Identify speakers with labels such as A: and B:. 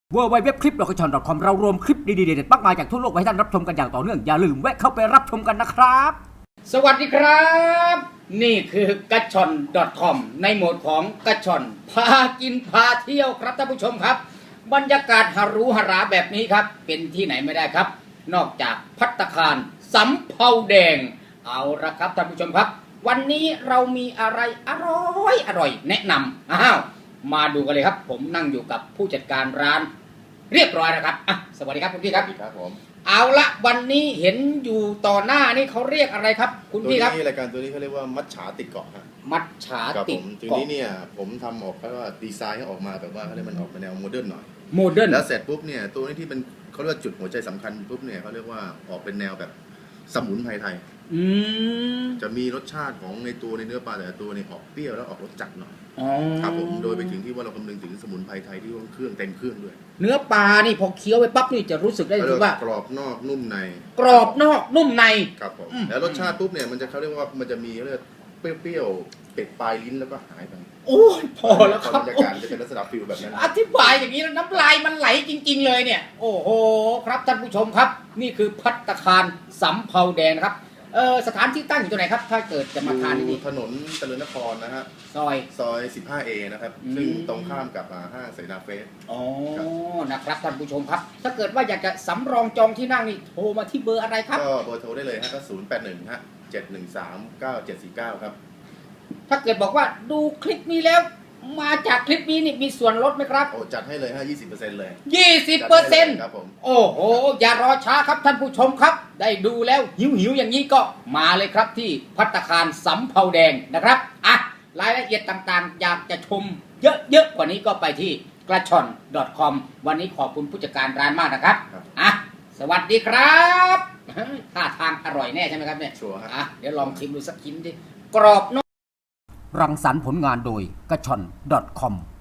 A: www.clip.com เรารวมคลิปดีๆเด็ดๆมากมายจากทั่วโลกไว้ให้ท่านรับชมกันอย่างต่อเนื่องอย่าลืมแวะเข้าไปรับชมกันนะครับสวัสดีครับนี่คือกระชอน .com ในโหมดของกระชอนพากินพาเที่ยวครับท่านผู้ชมครับบรรยากาศหรูหราแบบนี้ครับเป็นที่ไหนไม่ได้ครับนอกจากภัตตาคารสำเภาแดงเอาละครับท่านผู้ชมครับวันนี้เรามีอะไรอร่อยแนะนำมาดูกันเลยครับผมนั่งอยู่กับผู้จัดการร้านเรียบร้อยนะครับสวัสดีครับคุณพี่ครับ
B: ครับผม
A: เอาละวันนี้เห็นอยู่ต่อหน้านี่เขาเรียกอะไรครับคุณพี่ครับ
B: รายการตัวนี้เขาเรียกว่ามัจฉาติดเกาะครับ
A: มัจฉาติดเกาะ
B: ทีนี้เนี่ยผมทำออกเพราะว่าดีไซน์ให้ออกมาแบบว่าเขาเรียกมันออกมาแนวโมเดิร์นหน่อย
A: โมเดิร์น
B: แล้วเสร็จปุ๊บเนี่ยตัวนี้ที่เป็นเขาเรียกว่าจุดหัวใจสำคัญปุ๊บเนี่ยเขาเรียกว่าออกเป็นแนวแบบสมุนไพรไทยจะมีรสชาติของในตัวในเนื้อปลาแต่ละตัวเนี่ยออกเปรี้ยวแล้วออกรสจัดหน่อยครับผมโดยไปถึงที่ว่าเราคำนึงถึงสมุนไพรไทยที่ว่าเครื่องเต็มเครื่องด้วย
A: เนื้อปลานี่พอเคี้ยวไปปั๊บนี่จะรู้สึกได้เลยว่าก
B: รอบนอกนุ่มใน
A: กรอบนอกนุ่มใน
B: ครับผมแล้วรสชาติปุ๊บเนี่ยมันจะเขาเรียกว่ามันจะมีเรียกเปรี้ยวๆเป็ดปลายลิ้นแล้วก็หายไป
A: โอ้ยพอแล้วครับ
B: บรรยากาศจะเป็นลักษณะฟิลแบบนั้น
A: อธิบายอย่างนี้แล้วน้ำลายมันไหลจริงๆเลยเนี่ยโอ้โหครับท่านผู้ชมครับนี่คือภัตตาคารสำเภาแดงนะครับสถานที่ตั้งอยู่ตรงไหนครับถ้าเกิดจะมาทานที่นี่
B: ถนนเจริญนครนะฮะ
A: ซอย
B: 15A นะครับซึ่งตรงข้ามกับห้างเสนาเฟส
A: นะครับท่านผู้ชมครับถ้าเกิดว่าอยากจะสำรองจองที่นั่งนี่โทรมาที่เบอร์อะไรครับ
B: ก็เบอร์โทรได้เลยฮะก็081ฮะ7139749ครับ
A: ถ้าเกิดบอกว่าดูคลิปนี้แล้วมาจากคลิปนี้นี่มีส่วนลดไหมครับ
B: โอ้จัดให้เลยฮะ 20% เลย
A: 20%
B: ครับผม
A: โอ้โหอย่ารอช้าครับท่านผู้ชมครับได้ดูแล้วหิวอย่างนี้ก็มาเลยครับที่ภัตตาคารสำเภาแดงนะครับรายละเอียดต่างๆอยากจะชมเยอะๆกว่านี้ก็ไปที่กระชอน .com วันนี้ขอบคุณผู้จัดการร้านมากนะครับสวัสดีครับท่าทางอร่อยแน่ใช่ไหมครับเนี่ย
B: ชัวร์ครับ
A: เดี๋ยวลองชิมดูสักชิ้นดิกรอบนอกรังสรรค์ผลงานโดยกระชอน .com